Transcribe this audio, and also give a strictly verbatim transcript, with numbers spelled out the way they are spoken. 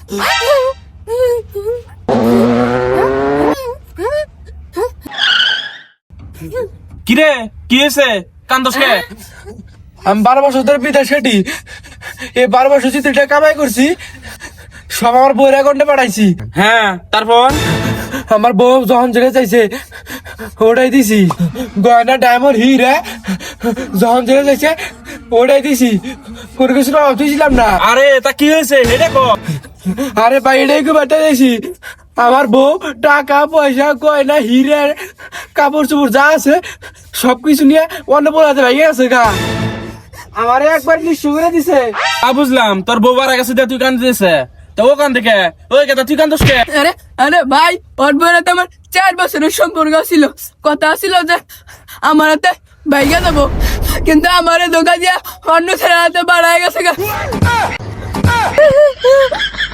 কিরে কি হয়েছে কান্দস কে? আমি বারো বছর ধরে বিদেশ খেটি, এই বারো বছর চিত্রটা কামাই করছি, সব আমার বউয়ের অ্যাকাউন্টে পাঠাইছি। হ্যাঁ তারপর আমার বউ যখন যেটা চাইছে ওটাই দিছি, গয়না ডায়মন্ড হিরে যখন যেটা চাইছে ওটাই দিছি, কোনো কিছু অভাব দিয়েছিলাম না। আরে তা কি হয়েছে এটা কো? আরে ভাই এটাই কি বার্তা দিয়েছি, আমার বউ টাকা পয়সা গয়না হিরে কাপড় চোপড় যা আছে সবকিছু নিয়ে অন্য বলাতে ভাই গেছে গা, আমারে একবার নিঃস্ব করে দিছে। আ বুঝলাম, তোর বউ বারা গেছে তুই কান্দে দিছে, তো ও কান্দে কে? ওই কে তুই কান্দস কে? আরে আরে ভাই, ওর বউয়ের তো আমার চার বছরের সম্পর্ক ছিল, কথা ছিল যে আমার হাতে বাইকে দেবো, কিন্তু আমার ধোকা দিয়া অন্য ছেলের হাতে বাড়ায় গেছে গা।